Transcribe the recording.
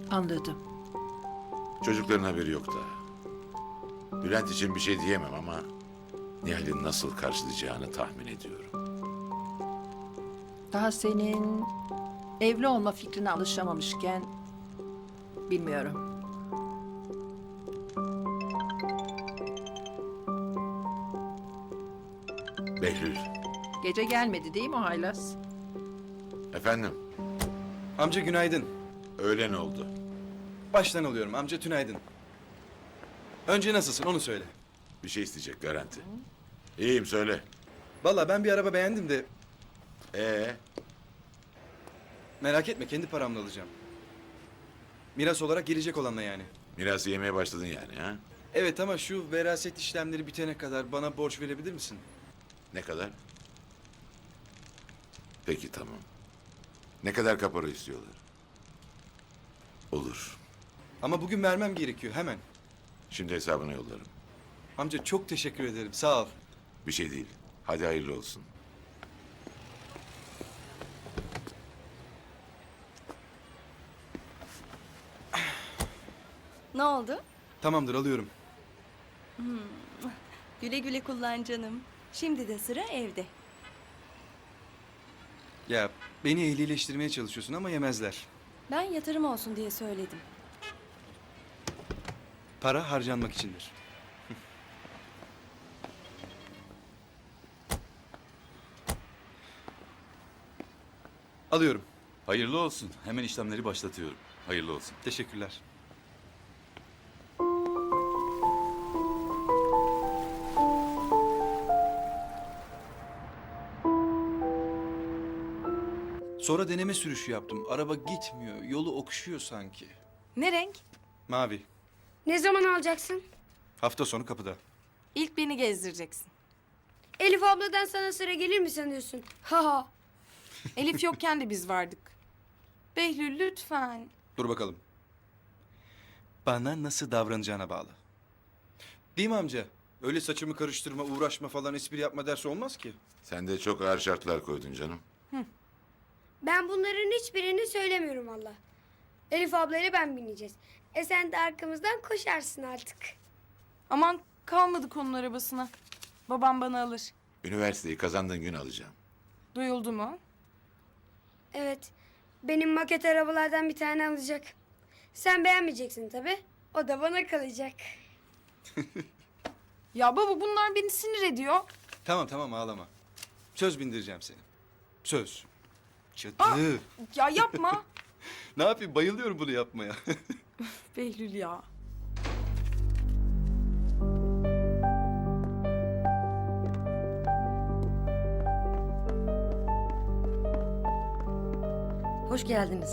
Anladım. Çocukların haberi yok da. Bülent için bir şey diyemem ama Nihal'in nasıl karşılayacağını tahmin ediyorum. Daha senin evli olma fikrine alışamamışken bilmiyorum. Behlül. Gece gelmedi değil mi o haylaz? Efendim, Amca günaydın. öğlen oldu. Baştan alıyorum amca tünaydın. Önce nasılsın onu söyle. Bir şey isteyecek garanti. İyiyim söyle. Vallahi ben bir araba beğendim de Ee, merak etme kendi paramla alacağım. Miras olarak gelecek olanla yani. mirası yemeye başladın yani ha? Evet ama şu veraset işlemleri bitene kadar bana borç verebilir misin? Ne kadar? Peki tamam. Ne kadar kapora istiyorlar? Olur. Ama bugün vermem gerekiyor hemen. Şimdi hesabını yollarım. Amca çok teşekkür ederim sağ ol. Bir şey değil. Hadi hayırlı olsun. Ne oldu? Tamamdır alıyorum. Güle güle kullan canım. Şimdi de sıra evde. Ya beni ehlileştirmeye çalışıyorsun ama yemezler. Ben yatırım olsun diye söyledim. Para harcanmak içindir. Alıyorum. Hayırlı olsun. Hemen işlemleri başlatıyorum. Hayırlı olsun. Teşekkürler. Sonra deneme sürüşü yaptım. Araba gitmiyor. Yolu okşuyor sanki. Ne renk? Mavi. Ne zaman alacaksın? Hafta sonu kapıda. İlk beni gezdireceksin. Elif abladan sana sıra gelir mi sanıyorsun? Ha ha. Elif yokken de biz vardık. Behlül lütfen. Dur bakalım. Bana nasıl davranacağına bağlı. Değil mi amca? Öyle saçımı karıştırma, uğraşma falan espri yapma dersi olmaz ki. Sen de çok ağır şartlar koydun canım. Ben bunların hiçbirini söylemiyorum valla. Elif ablayla ben bineceğiz. Sen de arkamızdan koşarsın artık. Aman kalmadık onun arabasına. Babam bana alır. Üniversiteyi kazandığın gün alacağım. Duyuldu mu? Evet. Benim maket arabalardan bir tane alacak. Sen beğenmeyeceksin tabii. O da bana kalacak. Ya baba bunlar beni sinir ediyor. Tamam tamam ağlama. Söz bindireceğim seni. Söz. Cadı. Ya yapma. Ne yapayım bayılıyorum bunu yapmaya. Behlül ya. Hoş geldiniz.